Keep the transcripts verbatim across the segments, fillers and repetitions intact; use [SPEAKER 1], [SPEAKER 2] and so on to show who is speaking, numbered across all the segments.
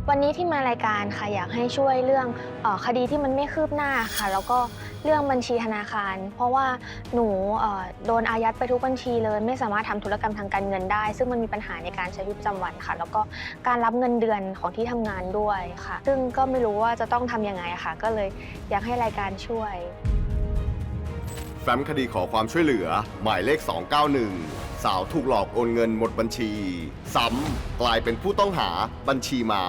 [SPEAKER 1] วันนี้ที่มารายการค่ะอยากให้ช่วยเรื่องเออคดีที่มันไม่คืบหน้าค่ะแล้วก็เรื่องบัญชีธนาคารเพราะว่าหนูเอ่อโดนอายัดไปทุกบัญชีเลยไม่สามารถทำธุรกรรมทางการเงินได้ซึ่งมันมีปัญหาในการใช้ชีวิตประจำวันค่ะแล้วก็การรับเงินเดือนของที่ทำงานด้วยค่ะซึ่งก็ไม่รู้ว่าจะต้องทำยังไงค่ะก็เลยอยากให้รายการช่วย
[SPEAKER 2] แฟ้มคดีขอความช่วยเหลือหมายเลข สองเก้าหนึ่ง สาวถูกหลอกโอนเงินหมดบัญชีซ้ำกลายเป็นผู้ต้องหาบัญชีม้า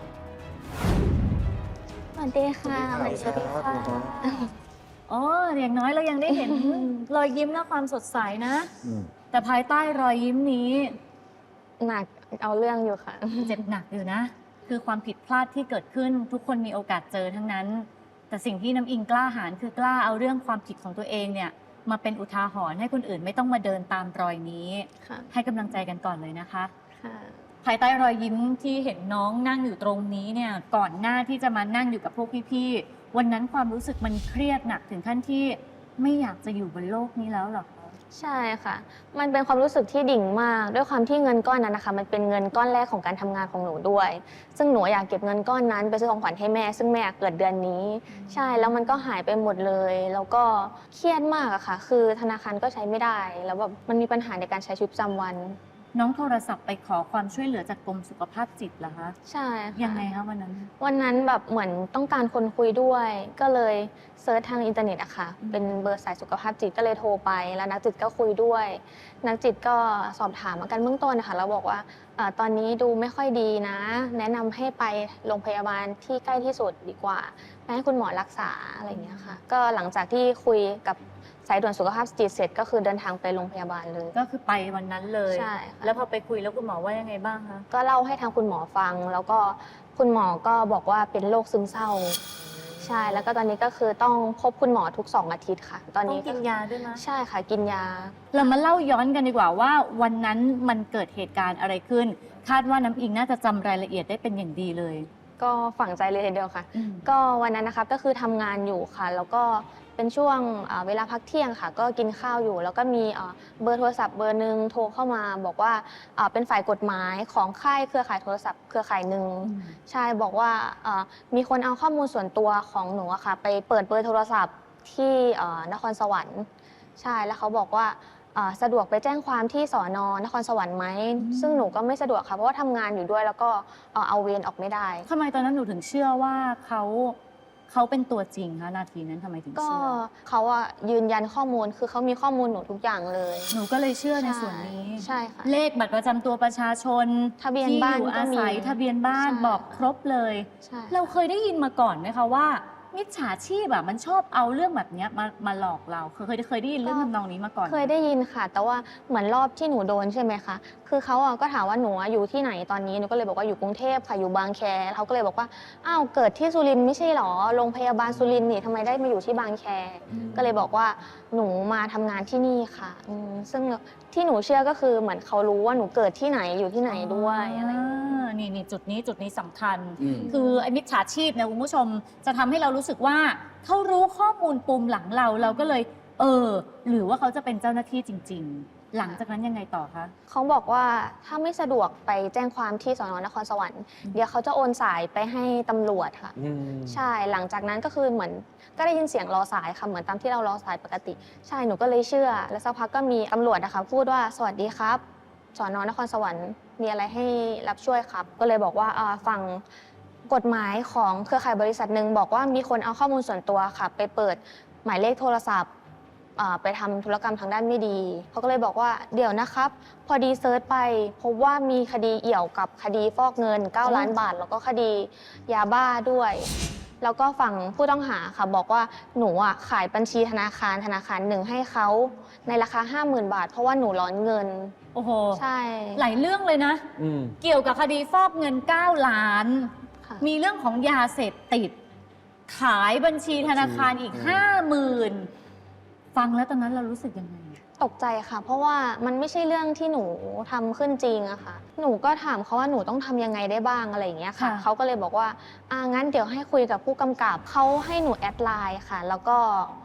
[SPEAKER 1] สวัสดีค่ะสวัสดีค่ะ
[SPEAKER 3] อ๋ออย่างน้อยเรายังได้เห็น รอยยิ้มและความสดใสนะแต่ภายใต้รอยยิ้มนี้
[SPEAKER 1] หนักเอาเรื่องอยู่ค่ะ
[SPEAKER 3] เจ็บหนักอยู่นะ คือความผิดพลาดที่เกิดขึ้นทุกคนมีโอกาสเจอทั้งนั้น แต่สิ่งที่น้ำอิงกล้าหาญคือกล้าเอาเรื่องความผิดของตัวเองเนี่ยมาเป็นอุทาหรณ์ให้คนอื่นไม่ต้องมาเดินตามรอยนี้ ให้กำลังใจกันก่อนเลยนะคะภายใต้รอยยิ้มที่เห็นน้องนั่งอยู่ตรงนี้เนี่ยก่อนหน้าที่จะมานั่งอยู่กับพวกพี่ๆวันนั้นความรู้สึกมันเครียดหนักถึงขั้นที่ไม่อยากจะอยู่บนโลกนี้แล้วหรอคะ
[SPEAKER 1] ใช่ค่ะมันเป็นความรู้สึกที่ดิ่งมากด้วยความที่เงินก้อนนั้นนะคะมันเป็นเงินก้อนแรกของการทำงานของหนูด้วยซึ่งหนูอยากเก็บเงินก้อนนั้นไปซื้อของขวัญให้แม่ซึ่งแม่เกิดเดือนนี้ใช่แล้วมันก็หายไปหมดเลยแล้วก็เครียดมากอะค่ะคือธนาคารก็ใช้ไม่ได้แล้วแบบมันมีปัญหาในการใช้ชีวิตประจำวัน
[SPEAKER 3] น้องโทรศัพท์ไปขอความช่วยเหลือจากกรมสุขภาพจิตเหรอคะ
[SPEAKER 1] ใช่ค่ะ
[SPEAKER 3] ยังไงคะวันนั้น
[SPEAKER 1] วันนั้นแบบเหมือนต้องการคนคุยด้วยก็เลยเซิร์ชทางอินเทอร์เน็ตอะค่ะเป็นเบอร์สายสุขภาพจิตก็เลยโทรไปแล้วนักจิตก็คุยด้วยนักจิตก็สอบถามอาการเบื้องต้นนะคะแล้วบอกว่าตอนนี้ดูไม่ค่อยดีนะแนะนำให้ไปโรงพยาบาลที่ใกล้ที่สุดดีกว่าไปให้คุณหมอรักษาอะไรอย่างเงี้ยค่ะก็หลังจากที่คุยกับสายด่วนสุขภาพจิตเสร็จก็คือเดินทางไปโรงพยาบาลเลย
[SPEAKER 3] ก็คือไปวันนั้นเลย
[SPEAKER 1] ใช่
[SPEAKER 3] แล้วพอไปคุยแล้วคุณหมอว่ายังไงบ้างคะ
[SPEAKER 1] ก็เล่าให้ทางคุณหมอฟังแล้วก็คุณหมอก็บอกว่าเป็นโรคซึมเศร้าใช่แล้วก็ตอนนี้ก็คือต้องพบคุณหมอทุกสองอาทิตย์ค่ะตอนนี้
[SPEAKER 3] กินยาด้วยนะ
[SPEAKER 1] ใช่ค่ะกินยา
[SPEAKER 3] เรามาเล่าย้อนกันดีกว่าว่าวันนั้นมันเกิดเหตุการณ์อะไรขึ้นคาดว่าน้ำอิงน่าจะจำรายละเอียดได้เป็นอย่างดีเลย
[SPEAKER 1] ก็ฝังใจเลยทีเดียวค่ะก็วันนั้นนะคะก็คือทำงานอยู่ค่ะแล้วก็เป็นช่วงเวลาพักเที่ยงค่ะก็กินข้าวอยู่แล้วก็มีเบอร์โทรศัพท์เบอร์หนึ่งโทรเข้ามาบอกว่าเป็นฝ่ายกฎหมายของค่ายเครือข่ายโทรศัพท์เครือข่ายหนึ่งใช่บอกว่ามีคนเอาข้อมูลส่วนตัวของหนูอะค่ะไปเปิดเบอร์โทรศัพท์ที่นครสวรรค์ใช่แล้วเขาบอกว่าสะดวกไปแจ้งความที่สอนอนครสวรรค์ไหมซึ่งหนูก็ไม่สะดวกค่ะเพราะว่าทำงานอยู่ด้วยแล้วก็เอาเวรออกไม่ได้
[SPEAKER 3] ทำไมตอนนั้นหนูถึงเชื่อว่าเขาเขาเป็นตัวจริงคะนาทีนั้นทำไมถึงเชื่อ
[SPEAKER 1] ก็เขาอะยืนยันข้อมูลคือเขามีข้อมูลหนูทุกอย่างเลย
[SPEAKER 3] หนูก็เลยเชื่อในส่วนนี้
[SPEAKER 1] ใช่ค่ะ
[SPEAKER 3] เลขบัตรประจำตัวประชาชน
[SPEAKER 1] ทะเบียนบ้าน
[SPEAKER 3] ที่อยู่อาศัยทะเบียนบ้านบอกครบเลยเราเคยได้ยินมาก่อนไหมคะว่ามิจฉาชีพแบบมันชอบเอาเรื่องแบบนี้มามาหลอกเราเคยเคยได้ยินเรื่องทำนองนี้มาก่อน
[SPEAKER 1] เคยได้ยินค่ะแต่ว่าเหมือนรอบที่หนูโดนใช่ไหมคะคือเขาก็ถามว่าหนูอยู่ที่ไหนตอนนี้หนูก็เลยบอกว่าอยู่กรุงเทพค่ะอยู่บางแคเขาก็เลยบอกว่าอ้าวเกิดที่สุรินทร์ไม่ใช่หรอโรงพยาบาลสุรินทร์นี่ทำไมได้มาอยู่ที่บางแคก็เลยบอกว่าหนูมาทำงานที่นี่ค่ะซึ่งที่หนูเชื่อก็คือเหมือนเขารู้ว่าหนูเกิดที่ไหนอยู่ที่ไหนด้วยอะไร
[SPEAKER 3] นี่นี่จุดนี้จุดนี้สำคัญคือไอ้มิจฉาชีพเนี่ยคุณผู้ชมจะทำให้เรารู้สึกว่าเขารู้ข้อมูลปุ่มหลังเราเราก็เลยเออหรือว่าเขาจะเป็นเจ้าหน้าที่จริงๆหลังจากนั้นยังไงต่อคะ
[SPEAKER 1] เขาบอกว่าถ้าไม่สะดวกไปแจ้งความที่สน.นครสวรรค์เดี๋ยวเขาจะโอนสายไปให้ตำรวจค่ะใช่หลังจากนั้นก็คือเหมือนก็ได้ยินเสียงรอสายค่ะเหมือนตามที่เรารอสายปกติใช่หนูก็เลยเชื่อแล้วสักพักก็มีตำรวจนะคะพูดว่าสวัสดีครับสน.นครสวรรค์มีอะไรให้รับช่วยครับก็เลยบอกว่าฟังกฎหมายของเครือข่ายบริษัทหนึ่งบอกว่ามีคนเอาข้อมูลส่วนตัวค่ะไปเปิดหมายเลขโทรศัพท์ไปทำธุรกรรมทางด้านไม่ดีเขาก็เลยบอกว่าเดี๋ยวนะครับพอดีเซิร์ชไปพบว่ามีคดีเอี่ยวกับคดีฟอกเงินเก้าล้านบาทแล้วก็คดียาบ้าด้วยแล้วก็ฝั่งผู้ต้องหาค่ะบอกว่าหนูอ่ะขายบัญชีธนาคารธนาคารหนึ่งให้เขาในราคา ห้าหมื่น บาทเพราะว่าหนูร้อนเงิน
[SPEAKER 3] โอ้โห
[SPEAKER 1] ใช่
[SPEAKER 3] หลายเรื่องเลยนะเกี่ยวกับคดีฟอกเงินเก้าล้านมีเรื่องของยาเสพติดขายบัญชีธนาคารอีก ห้าหมื่นฟังแล้วตอนนั้นเรารู้สึกยังไง
[SPEAKER 1] ตกใจค่ะเพราะว่ามันไม่ใช่เรื่องที่หนูทำขึ้นจริงอะค่ะหนูก็ถามเขาว่าหนูต้องทำยังไงได้บ้างอะไรอย่างเงี้ยค่ะเขาก็เลยบอกว่าอ่างั้นเดี๋ยวให้คุยกับผู้กำกับเขาให้หนูแอดไลน์ค่ะแล้วก็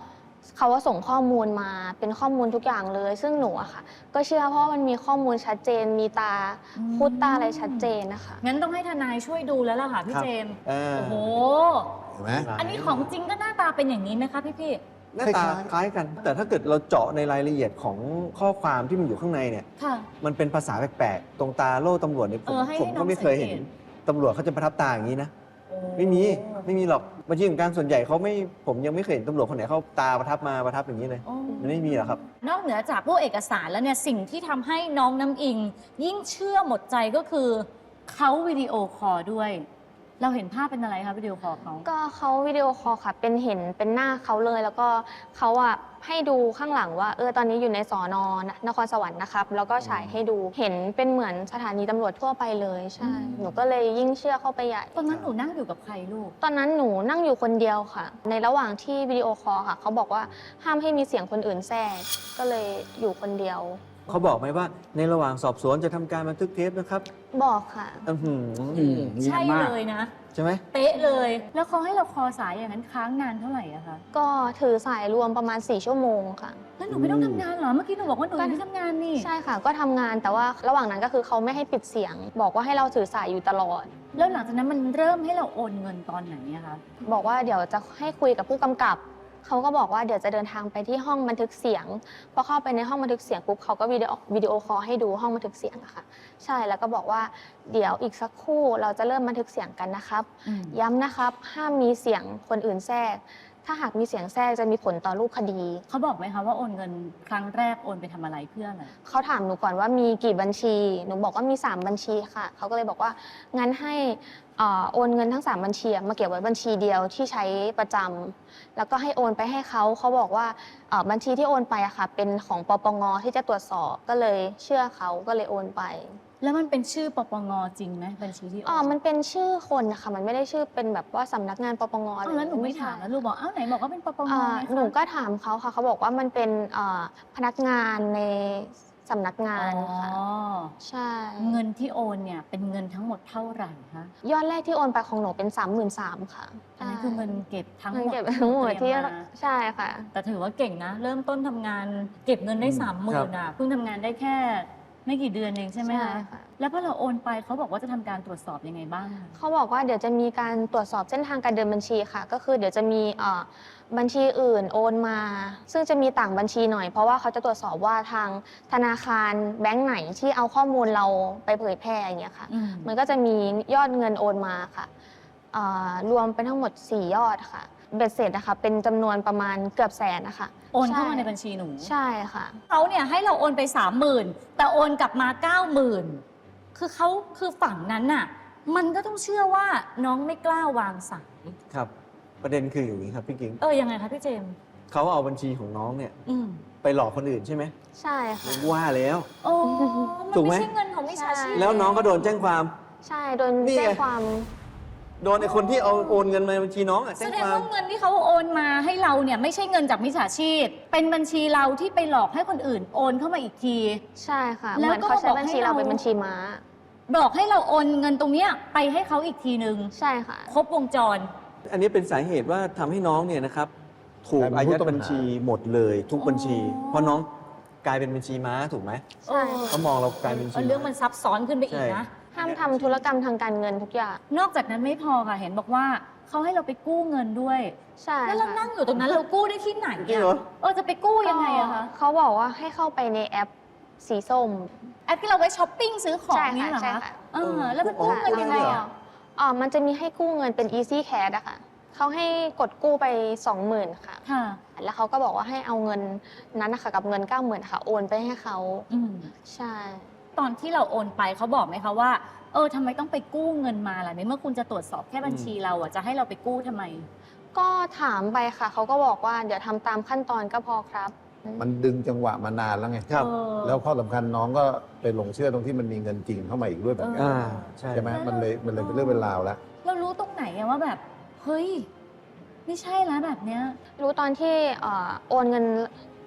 [SPEAKER 1] เขาว่าส่งข้อมูลมาเป็นข้อมูลทุกอย่างเลย ซึ่งหนูอะค่ะ ก็เชื่อเพราะว่ามันมีข้อมูลชัดเจน มีตา
[SPEAKER 3] อืม
[SPEAKER 1] พูดตาอะไรชัดเจนนะคะ
[SPEAKER 3] งั้นต้องให้ทนายช่วยดูแล้วล่ะค่ะพี่
[SPEAKER 4] ครับ
[SPEAKER 3] เจมส์
[SPEAKER 4] เออ
[SPEAKER 3] โอ้โห
[SPEAKER 5] เห็นไหม
[SPEAKER 3] อันนี้ของจริงก็หน้าตาเป็นอย่างนี้ไหมคะพี่พี่
[SPEAKER 4] หน้าตาคล้ายกัน แต่ถ้าเกิดเราเจาะในรายละเอียดของข้อความที่มันอยู่ข้างในเนี่ย
[SPEAKER 3] ค่ะ
[SPEAKER 4] มันเป็นภาษาแปลกๆ ตรงตาโล่ตำรวจเนี่ยผ
[SPEAKER 3] เอ
[SPEAKER 4] ม
[SPEAKER 3] อให้
[SPEAKER 4] ผม
[SPEAKER 3] ให้น้
[SPEAKER 4] ก็
[SPEAKER 3] อง
[SPEAKER 4] ไม่เคยเห็น
[SPEAKER 3] สังเกต
[SPEAKER 4] ตำรวจเขาจะประทับตาอย่างนี้นะ
[SPEAKER 3] โอ้
[SPEAKER 4] ไม่มี ไม่มีหรอกบัญชีของกลางส่วนใหญ่เขาไม่ ผมยังไม่เคยเห็นตำรวจคนไหนเขาตาประทับมาประทับอย่างนี้เลย
[SPEAKER 3] โอ้
[SPEAKER 4] มันไม่มีหรอกครับ
[SPEAKER 3] นอกเหนือจากพวกเอกสารแล้วเนี่ยสิ่งที่ทำให้น้องน้ำอิง ยิ่งเชื่อหมดใจก็คือเขาวิดีโอคอลด้วย เราเห็นภาพเป็นอะไรคะวิดีโอคอลเขา
[SPEAKER 1] ก็เขาวิดีโอคอลค่ะ เป็นเห็นเป็นหน้าเขาเลย แล้วก็เขาอะให้ดูข้างหลังว่าเออตอนนี้อยู่ในสอนอนครสวรรค์นะครับ แล้วก็ฉายให้ดูเห็นเป็นเหมือนสถานีตำรวจทั่วไปเลยใช่ หนูก็เลยยิ่งเชื่อเข้าไปใหญ่
[SPEAKER 3] ตอนนั้นหนูนั่งอยู่กับใครลูก
[SPEAKER 1] ตอนนั้นหนูนั่งอยู่คนเดียวค่ะ ในระหว่างที่วิดีโอคอลค่ะ เขาบอกว่าห้ามให้มีเสียงคนอื่นแทรกก็เลยอยู่คนเดียว
[SPEAKER 4] เขาบอกไหมว่าในระหว่างสอบสวนจะทำการบันทึกเทปนะครับ
[SPEAKER 1] บอกค่ะ
[SPEAKER 4] อื้อหือ
[SPEAKER 5] อืมเนีย
[SPEAKER 3] ใช่
[SPEAKER 5] นมาก
[SPEAKER 3] เลยนะ
[SPEAKER 4] ใช่ไหม
[SPEAKER 3] เป๊ะเลย แล้วเขาให้เราคอสายอย่างนั้นค้างนานเท่าไหร่อะคะ
[SPEAKER 1] ก็ถือสายรวมประมาณสี่ชั่วโมงค่ะ
[SPEAKER 3] แล้วหนูไม่ต้องทำงานเหรอ เมื่อกี้หนูบอกว่าหนู
[SPEAKER 1] ก็
[SPEAKER 3] ยังไม่ทำงานนี่
[SPEAKER 1] ใช่ค่ะ ก็ทำงานแต่ว่าระหว่างนั้นก็คือเขาไม่ให้ปิดเสียง บอกว่าให้เราถือสายอยู่ตลอด
[SPEAKER 3] แล้วหลังจากนั้นมันเริ่มให้เราโอนเงินตอนไหนอะคะ
[SPEAKER 1] บอกว่าเดี๋ยวจะให้คุยกับผู้กำกับ เขาก็บอกว่าเดี๋ยวจะเดินทางไปที่ห้องบันทึกเสียง พอเข้าไปในห้องบันทึกเสียงปุ๊บเขาก็วิดีโอวิดีโอคอลให้ดูห้องบันทึกเสียงอะค่ะ ใช่ แล้วก็บอกว่าเดี๋ยวอีกสักครู่เราจะเริ่มบันทึกเสียงกันนะครับ
[SPEAKER 3] อืม
[SPEAKER 1] ย้ำนะครับ ห้ามมีเสียงคนอื่นแทรก ถ้าหากมีเสียงแทรกจะมีผลต่อรูปคดี
[SPEAKER 3] เขาบอกไหมคะว่าโอนเงินครั้งแรกโอนไปทำอะไรเพื่ออะไร
[SPEAKER 1] เขาถามหนูก่อนว่ามีกี่บัญชี หนูบอกว่ามีสามบัญชีค่ะ เขาก็เลยบอกว่างั้นให้เอ่อโอนเงินทั้งสามบัญชีมาเก็บไว้บัญชีเดียวที่ใช้ประจำแล้วก็ให้โอนไปให้เขา เขาบอกว่าเอ่อบัญชีที่โอนไปอะค่ะ เป็นของปปงที่จะตรวจสอบ ก็เลยเชื่อเขาก็เลยโอนไป
[SPEAKER 3] แล้วมันเป็นชื่อปปงจริงไหมบัญชีที่โอ
[SPEAKER 1] อ๋อน มันเป็นชื่อคนนะคะ มันไม่ได้ชื่อเป็นแบบว่าสำนักงานปปง
[SPEAKER 3] อ้าวแล้วหนูไม่ถามแล้วลูกบอกอ้าวไหนบอกว่าเป็นปปง
[SPEAKER 1] เอ่อ
[SPEAKER 3] ไงคะ
[SPEAKER 1] หนูก็ถามเขาค่ะ เขาบอกว่ามันเป็นเอ่อพนักงานในสำนักงานค่ะ
[SPEAKER 3] อ๋อ
[SPEAKER 1] ใช่
[SPEAKER 3] เงินที่โอนเนี่ยเป็นเงินทั้งหมดเท่าไหร่คะ
[SPEAKER 1] ยอดแรกที่โอนไปของหนูเป็น สามหมื่นสามพัน ค่ะ
[SPEAKER 3] อันนี้คือเงินเก็บทั้งหม
[SPEAKER 1] เงิน
[SPEAKER 3] ด
[SPEAKER 1] เก็บทั้งหมดที่
[SPEAKER 3] เตรียมา
[SPEAKER 1] ใช่ค่ะ
[SPEAKER 3] แต่ถือว่าเก่งนะ เริ่มต้นทำงานเก็บเงินได้
[SPEAKER 4] อืม
[SPEAKER 3] สามหมื่นอ่ะเพิ่งทำงานได้แค่ไม่กี่เดือนเองใช่ไหม
[SPEAKER 1] ใช่
[SPEAKER 3] คะ
[SPEAKER 1] ค่ะ
[SPEAKER 3] แล้วพอเราโอนไปเขาบอกว่าจะทำการตรวจสอบยังไงบ้างคะ
[SPEAKER 1] เขาบอกว่าเดี๋ยวจะมีการตรวจสอบเส้นทางการเดินบัญชีค่ะ ก็คือเดี๋ยวจะมีเอ่อบัญชีอื่นโอนมา ซึ่งจะมีต่างบัญชีหน่อย เพราะว่าเขาจะตรวจสอบว่าทางธนาคารแบงก์ไหนที่เอาข้อมูลเราไปเผยแพร่อย่างเงี้ยค่ะ
[SPEAKER 3] อืม
[SPEAKER 1] มันก็จะมียอดเงินโอนมาค่ะเอ่อรวมเป็นทั้งหมดสี่ยอดค่ะ เบ็ดเสร็จนะคะเป็นจำนวนประมาณเกือบแสนนะคะ
[SPEAKER 3] โอนเข้ามาใน
[SPEAKER 1] ช่
[SPEAKER 3] บัญชีหนู
[SPEAKER 1] ใช่ค่ะ
[SPEAKER 3] เขาเนี่ยให้เราโอนไปสามหมื่นแต่โอนกลับมาเก้าหมื่นคือเขาคือฝั่งนั้นน่ะ มันก็ต้องเชื่อว่าน้องไม่กล้าวางสาย
[SPEAKER 4] ครับ ประเด็นคืออย่างนี้ครับพี่กิ๊ง
[SPEAKER 3] เออยังไงคะพี่เจมส์
[SPEAKER 4] เขาเอาบัญชีของน้องเนี่ย
[SPEAKER 3] อืม
[SPEAKER 4] ไปหลอกคนอื่นใช่ไหม
[SPEAKER 1] ใช่ค่ะ
[SPEAKER 4] ว่าแล้ว
[SPEAKER 3] โอ้
[SPEAKER 4] ถู
[SPEAKER 3] มัน
[SPEAKER 4] กไหม
[SPEAKER 3] ไม่ใช่เงินของมิจฉาชีพ
[SPEAKER 4] แล้วน้องก็โดนแจ้งความ
[SPEAKER 1] ใช่โดน
[SPEAKER 4] นี่ไง
[SPEAKER 1] แจ้งความ
[SPEAKER 4] โดนไอ้คนที่เอาโอนเงินมาในบัญชีน้องอะ
[SPEAKER 3] แส
[SPEAKER 4] แจ้ง
[SPEAKER 3] ดง
[SPEAKER 4] ความ
[SPEAKER 3] ว่าเงินที่เขาโอนมาให้เราเนี่ยไม่ใช่เงินจากมิจฉาชีพ เป็นบัญชีเราที่ไปหลอกให้คนอื่นโอนเข้ามาอีกที
[SPEAKER 1] ใช่ค่ะ
[SPEAKER 3] แล้
[SPEAKER 1] เห
[SPEAKER 3] ว
[SPEAKER 1] มือน
[SPEAKER 3] ก็
[SPEAKER 1] เขาใช้
[SPEAKER 3] บอก
[SPEAKER 1] บัญชี
[SPEAKER 3] ให้
[SPEAKER 1] เรา
[SPEAKER 3] เรา
[SPEAKER 1] เป็นบัญชีม้า
[SPEAKER 3] บอกให้เราโอนเงินตรงเนี้ยไปให้เขาอีกทีนึง
[SPEAKER 1] ใช่ค่ะ
[SPEAKER 3] ครบวงจร
[SPEAKER 4] อันนี้เป็นสาเหตุว่าทำให้น้องเนี่ยนะครับ ถูก
[SPEAKER 5] กลายเป็น
[SPEAKER 4] อายัด
[SPEAKER 5] ผู้ต้องหา
[SPEAKER 4] บัญชีหมดเลยทุกบัญชี
[SPEAKER 3] อ๋อ
[SPEAKER 4] เพราะน้องกลายเป็นบัญชีม้าถูกไหม
[SPEAKER 1] ใช่
[SPEAKER 4] เขามองเรากลายเป็นบัญชี
[SPEAKER 3] เรื่องมันซับซ้อนขึ้นไปอีก
[SPEAKER 4] ใช่
[SPEAKER 3] นะ
[SPEAKER 1] ห้ามทำธุรกรรมทางการเงินทุกอย่าง
[SPEAKER 3] นอกจากนั้นไม่พอค่ะ เห็นบอกว่าเขาให้เราไปกู้เงินด้วย
[SPEAKER 1] ใช่
[SPEAKER 3] แล้วเรา
[SPEAKER 1] ค่ะ
[SPEAKER 3] นั่งอยู่ตรงนั้นเรากู้ได้ที่ไหน
[SPEAKER 4] จริงเหรอ
[SPEAKER 3] เออจะไปกู้ยังไงอะคะ
[SPEAKER 1] เขาบอกว่าให้เข้าไปในแอปสีส้ม
[SPEAKER 3] แอปที่เราไว้ช้อปปิ้งซื้อของ
[SPEAKER 1] ใช่
[SPEAKER 3] เนี่ยเหรอ
[SPEAKER 1] ใช่
[SPEAKER 3] คะ
[SPEAKER 1] ค่ะ
[SPEAKER 3] เออแล้วมันกู้เงินยังไงอะ
[SPEAKER 1] อ๋อมันจะมีให้กู้เงินเป็น Easy Cash อะค่ะเขาให้กดกู้ไป สองหมื่น ค่ะ
[SPEAKER 3] ค่ะ
[SPEAKER 1] แล้วเขาก็บอกว่าให้เอาเงินนั้นนะคะกับเงิน เก้าหมื่น ค่ะ โอนไปให้เขา
[SPEAKER 3] อืม
[SPEAKER 1] ใช่
[SPEAKER 3] ตอนที่เราโอนไปเขาบอกไหมคะว่า เออทำไมต้องไปกู้เงินมาล่ะในเมื่อคุณจะตรวจสอบแค่บัญชีเราอะจะให้เราไปกู้ทำไม
[SPEAKER 1] ก็ถามไปค่ะ เขาก็บอกว่าเดี๋ยวทำตามขั้นตอนก็พอครับ
[SPEAKER 5] มันดึงจังหวะมานานแล้วไง
[SPEAKER 4] ครับ
[SPEAKER 3] เออ
[SPEAKER 5] แล้วข้อสำคัญน้องก็ไปหลงเชื่อตรงที่มันมีเงินจริงเข้ามาอีกด้วยแบบนี้
[SPEAKER 4] อ่าใช่
[SPEAKER 5] ใช่ไหมมันเลยมันเลยเป็นเรื่องเป็นราวแล้ว
[SPEAKER 3] เรารู้ตรงไหนอะว่าแบบ เฮ้ย ไม่ใช่แล้วแบบเนี้ย
[SPEAKER 1] รู้ตอนที่เอ่อโอนเงิน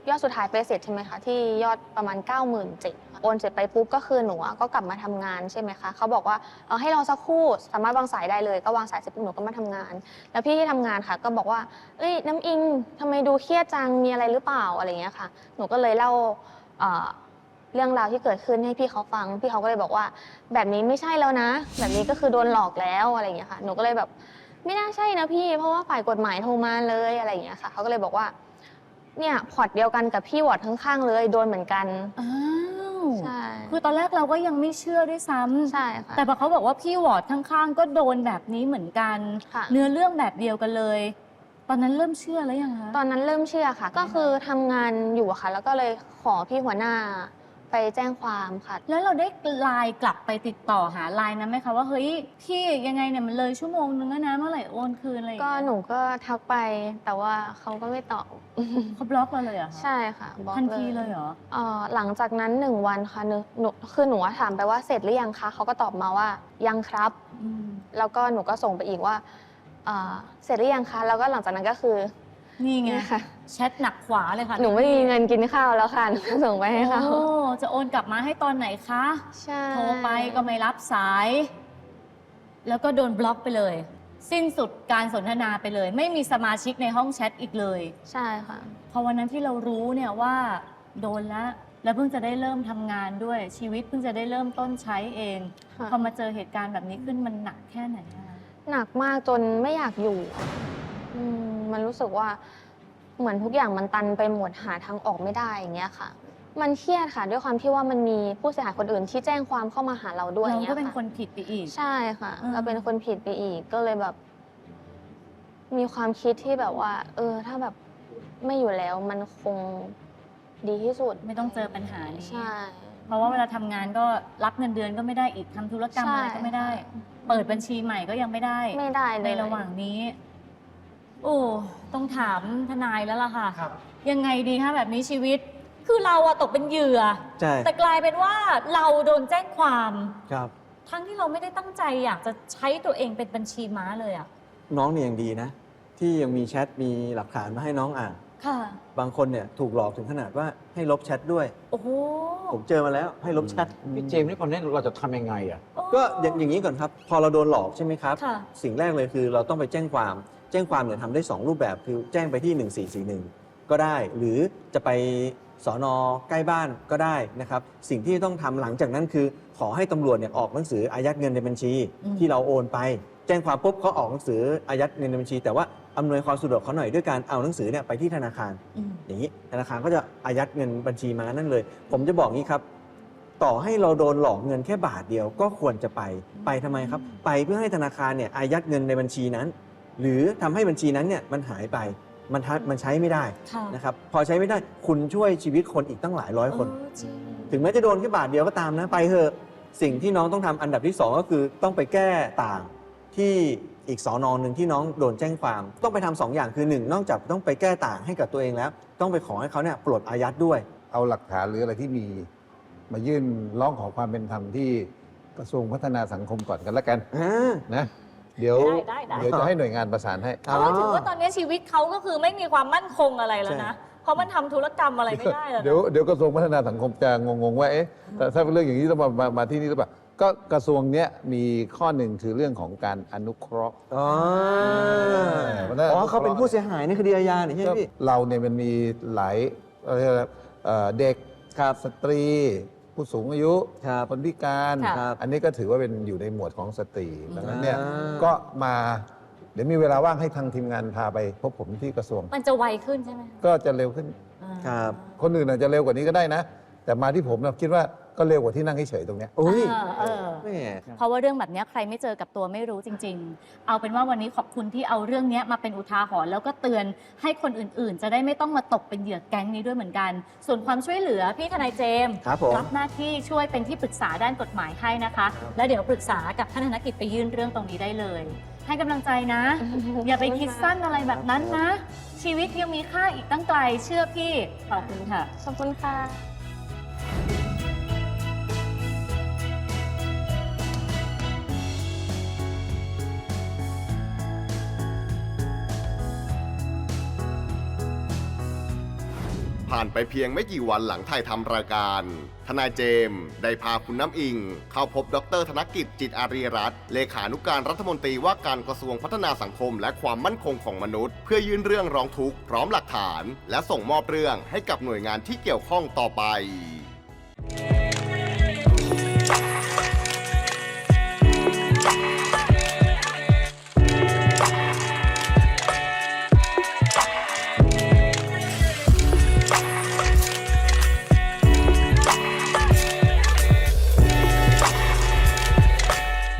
[SPEAKER 1] ยอดสุดท้ายไปเสร็จใช่ไหมคะที่ยอดประมาณ เก้าหมื่นเจ็ดพัน โอนเสร็จไปปุ๊บก็คือหนูอะก็กลับมาทำงานใช่ไหมคะเขาบอกว่าเออให้รอสักครู่สามารถวางสายได้เลยก็วางสายเสร็จปุ๊บหนูก็มาทำงาน แล้วพี่ที่ทำงานค่ะก็บอกว่าเอ้ยน้ำอิงทำไมดูเครียดจังมีอะไรหรือเปล่าอะไรอย่างเงี้ยค่ะหนูก็เลยเล่าเอ่อเรื่องราวที่เกิดขึ้นให้พี่เขาฟังพี่เขาก็เลยบอกว่าแบบนี้ไม่ใช่แล้วนะ แบบนี้ก็คือโดนหลอกแล้วอะไรอย่างเงี้ยค่ะหนูก็เลยแบบไม่น่าใช่นะพี่เพราะว่าฝ่ายกฎหมายโทรมาเลยอะไรอย่างเงี้ยค่ะเขาก็เลยบอกว่าเนี่ยพอร์ตเดียวกันกับพี่วอร์ดข้างๆเลยโดนเหมือนกัน
[SPEAKER 3] อ้าว
[SPEAKER 1] ใช่
[SPEAKER 3] คือตอนแรกเราก็ยังไม่เชื่อด้วยซ้ำ
[SPEAKER 1] ใช่ค่ะ
[SPEAKER 3] แต่พอเขาบอกว่าพี่วอร์ดข้างๆ ก็โดนแบบนี้เหมือนกัน
[SPEAKER 1] ค่ะ
[SPEAKER 3] เนื้อเรื่องแบบเดียวกันเลย ตอนนั้นเริ่มเชื่อแล้วยังคะ
[SPEAKER 1] ตอนนั้นเริ่มเชื่อค่ะ ก็คือทำงานอยู่อะค่ะ แล้วก็เลยขอพี่หัวหน้าไปแจ้งความค่ะ
[SPEAKER 3] แล้วเราได้ไลน์กลับไปติดต่อหาไลน์นั้นไหมคะว่าเฮ้ยพี่ยังไงเนี่ยมันเลยชั่วโมงนึงแล้วนะเมื่อไหร่โอนคืนอะไรอย่าง
[SPEAKER 1] ก็
[SPEAKER 3] เงี้ย
[SPEAKER 1] หนูก็ทักไปแต่ว่าเขาก็ไม่ตอบ
[SPEAKER 3] เขาบล็อกเราเลยเหรอคะ
[SPEAKER 1] ใช่ค่ะบล็อก
[SPEAKER 3] ทันทีเลยเหรอ
[SPEAKER 1] เอ่อหลังจากนั้นหนึ่งวันค่ะหนูหนูคือหนูอะถามไปว่าเสร็จหรือยังคะเขาก็ตอบมาว่ายังครับ
[SPEAKER 3] อืม
[SPEAKER 1] แล้วก็หนูก็ส่งไปอีกว่าเอ่อเสร็จหรือยังคะแล้วก็หลังจากนั้นก็คือ
[SPEAKER 3] นี่ไง
[SPEAKER 1] เนี่ยค่ะ
[SPEAKER 3] แชทหนักขวาเลยค่ะ
[SPEAKER 1] หนูไม่มีเงินกินข้าวแล้วค่ะหนูก็ส่งไปให้เขา
[SPEAKER 3] โอ้จะโอนกลับมาให้ตอนไหนคะ
[SPEAKER 1] ใช่
[SPEAKER 3] โทรไปก็ไม่รับสาย แล้วก็โดนบล็อกไปเลย สิ้นสุดการสนทนาไปเลย ไม่มีสมาชิกในห้องแชทอีกเลย
[SPEAKER 1] ใช่ค่ะ
[SPEAKER 3] พอวันนั้นที่เรารู้เนี่ยว่าโดนแล้วแล้วเพิ่งจะได้เริ่มทำงานด้วย ชีวิตเพิ่งจะได้เริ่มต้นใช้เอง
[SPEAKER 1] ค่ะ
[SPEAKER 3] พอมาเจอเหตุการณ์แบบนี้ขึ้นมันหนักแค่ไหนอะคะ
[SPEAKER 1] หนักมากจนไม่อยากอยู่อืมมันรู้สึกว่าเหมือนทุกอย่างมันตันไปหมดหาทางออกไม่ได้อย่างเงี้ยค่ะ มันเครียดค่ะ ด้วยความที่ว่ามันมีผู้เสียหายคนอื่นที่แจ้งความเข้ามาหาเราด้วย
[SPEAKER 3] เรา
[SPEAKER 1] งี้
[SPEAKER 3] ก็
[SPEAKER 1] ย
[SPEAKER 3] เป็น
[SPEAKER 1] ค่ะ
[SPEAKER 3] คนผิดไปอีก
[SPEAKER 1] ใช่ค่ะ
[SPEAKER 3] อืม
[SPEAKER 1] เราเป็นคนผิดไปอีกก็เลยแบบ มีความคิดที่แบบว่า เออ ถ้าแบบไม่อยู่แล้วมันคงดีที่สุด
[SPEAKER 3] ไม่ต้องเจอปัญหานี้
[SPEAKER 1] ใช่
[SPEAKER 3] เพราะว่าเวลาทำงานก็รับเงินเดือนก็ไม่ได้อีกทำธุรกรรมอะไรก็ไม่ได้ เปิดบัญชีใหม่ก็ยังไม่ได้
[SPEAKER 1] ไม่ได้เลย
[SPEAKER 3] ในระหว่างนี้ โอ้ ต้องถามทนายแล้วล่ะค่ะ
[SPEAKER 4] ครับ
[SPEAKER 3] ยังไงดีคะแบบนี้ชีวิต คือเราอะตกเป็นเหยื่อ
[SPEAKER 4] ใช่
[SPEAKER 3] แต่กลายเป็นว่าเราโดนแจ้งความ
[SPEAKER 4] ครับ
[SPEAKER 3] ทั้งที่เราไม่ได้ตั้งใจอยากจะใช้ตัวเองเป็นบัญชีม้าเลยอะ
[SPEAKER 4] น้องเนี่ยยังดีนะ ที่ยังมีแชทมีหลักฐานมาให้น้องอ่าน
[SPEAKER 3] ค่ะ
[SPEAKER 4] บางคนเนี่ยถูกหลอกถึงขนาดว่าให้ลบแชทด้วย
[SPEAKER 3] โอ้โห
[SPEAKER 4] ผมเจอมาแล้วให้ลบแชท
[SPEAKER 5] พี่เจมส์นี่ตอนนี้เราจะทำยังไงอ่ะ
[SPEAKER 4] ก็อย่างอย่างนี้ก่อนครับ พอเราโดนหลอกใช่ไหมครับ
[SPEAKER 3] ค่ะ
[SPEAKER 4] สิ่งแรกเลยคือเราต้องไปแจ้งความ แจ้งความเนี่ยทำได้ สอง รูปแบบ คือแจ้งไปที่ หนึ่งสี่สี่หนึ่ง ก็ได้ หรือจะไปสอนอใกล้บ้านก็ได้นะครับ สิ่งที่ต้องทำหลังจากนั้นคือ ขอให้ตำรวจเนี่ยออกหนังสืออายัดเงินในบัญชี
[SPEAKER 3] อืม
[SPEAKER 4] ที่เราโอนไป แจ้งความปุ๊บเขาออกหนังสืออายัดเงินในบัญชี แต่ว่าอำนวยความสะดวกเขาหน่อยด้วยการเอาหนังสือเนี่ยไปที่ธนาคาร
[SPEAKER 3] อืม
[SPEAKER 4] อย่างนี้ธนาคารก็จะอายัดเงินบัญชีมานั่นเลย ผมจะบอกงี้ครับ ต่อให้เราโดนหลอกเงินแค่บาทเดียวก็ควรจะไป ไปทำไมครับ ไปเพื่อให้ธนาคารเนี่ยอายัดเงินในบัญชีนั้น หรือทำให้บัญชีนั้นเนี่ยมันหายไป มันทัมันใช้ไม่ได้
[SPEAKER 3] ค่ะ
[SPEAKER 4] นะครับ พอใช้ไม่ได้คุณช่วยชีวิตคนอีกตั้งหลายร้อยคน
[SPEAKER 3] เออจริง
[SPEAKER 4] ถึงแม้จะโดนแค่บาทเดียวก็ตามนะ ไปเถอะสิ่งที่น้องต้องทำอันดับที่สองก็คือต้องไปแก้ต่างที่อีกสอนอหนึ่งที่น้องโดนแจ้งความ ต้องไปทำสองอย่างคือหนึ่งนอกจากต้องไปแก้ต่างให้กับตัวเองแล้ว ต้องไปขอให้เขาเนี่ยปลดอายัดด้วย
[SPEAKER 5] เอาหลักฐานหรืออะไรที่มี มายื่นร้องขอความเป็นธรรมที่กระทรวงพัฒนาสังคมก่อนกันละกัน
[SPEAKER 4] อ่า
[SPEAKER 5] นะ เดี๋ยว
[SPEAKER 3] ได้ได้ได้
[SPEAKER 5] เดี๋ยวจะให้หน่วยงานประสานให้
[SPEAKER 3] เพราะว่าถือว่าตอนนี้ชีวิตเขาก็คือไม่มีความมั่นคงอะไรแล้วนะ เพราะมันทำธุรกรรมอะไรไม่ได้แล้วนะ
[SPEAKER 5] เดี๋ยวเดี๋ยวกระทรวงพัฒนาสังคมจะงงๆว่าเอ๊ะแต่ถ้าเป็นเรื่องอย่างนี้ต้องมามามาที่นี่หรือเปล่าก็กระทรวงเนี้ยมีข้อหนึ่งคือเรื่องของการอนุเคราะห์
[SPEAKER 4] อ๋อ
[SPEAKER 5] เพราะฉะนั้น
[SPEAKER 4] อ๋อเขาเป็นผู้เสียหายในคดีอาญาเนี่ยใช่ไหมพี่
[SPEAKER 5] เราเนี่ยมันมีหลายเอ่อเอ่อเด็ก
[SPEAKER 4] ครับ
[SPEAKER 5] สตรี ผู้สูงอายุ
[SPEAKER 4] ครับ
[SPEAKER 5] คนพิการ
[SPEAKER 3] ค่ะ
[SPEAKER 4] ครับ
[SPEAKER 5] อันนี้ก็ถือว่าเป็นอยู่ในหมวดของสตรีดังนั้นเนี่ย
[SPEAKER 4] อ่า
[SPEAKER 5] ก็มาเดี๋ยวมีเวลาว่างให้ทางทีมงานพาไปพบผมที่กระทรวง
[SPEAKER 3] มันจะไวขึ้นใช่ไหม
[SPEAKER 5] ก็จะเร็วขึ้น
[SPEAKER 3] อ่า
[SPEAKER 4] ครับ
[SPEAKER 5] คนอื่นอาจจะเร็วกว่านี้ก็ได้นะ แต่มาที่ผมเราคิดว่าก็เร็วกว่าที่นั่งเฉยๆตรงเนี้ย
[SPEAKER 4] โอ้ย
[SPEAKER 3] เออเออ
[SPEAKER 4] แม่
[SPEAKER 3] เพราะว่าเรื่องแบบนี้ใครไม่เจอกับตัวไม่รู้จริง ๆ เอาเป็นว่าวันนี้ขอบคุณที่เอาเรื่องนี้มาเป็นอุทาหรณ์แล้วก็เตือนให้คนอื่นๆ จะได้ไม่ต้องมาตกเป็นเหยื่อแก๊งนี้ด้วยเหมือนกัน ส่วนความช่วยเหลือพี่ทนายเจมส์
[SPEAKER 4] ครับผม
[SPEAKER 3] รับหน้าที่ช่วยเป็นที่ปรึกษาด้านกฎหมายให้นะคะ
[SPEAKER 4] ครับ
[SPEAKER 3] แล้วเดี๋ยวปรึกษากับท่านธนกิจไปยื่นเรื่องตรงนี้ได้เลย ให้กำลังใจนะ อย่าไปคิดสั้นอะไรแบบนั้นนะ ชีวิตยังมีค่าอีกตั้งไกลเชื่อพี่ขอบคุณค่ะ
[SPEAKER 1] ขอบคุณค่ะ
[SPEAKER 2] ผ่ผ่านไปเพียงไม่กี่วันหลังถ่ายทำรายการ ทนายเจมส์ได้พาคุณน้ำอิงเข้าพบดรธนกิจจิตอารีรัตน์เลขานุการรัฐมนตรีว่าการกระทรวงพัฒนาสังคมและความมั่นคงของมนุษย์ เพื่อยื่นเรื่องร้องทุกข์พร้อมหลักฐาน และส่งมอบเรื่องให้กับหน่วยงานที่เกี่ยวข้องต่อไป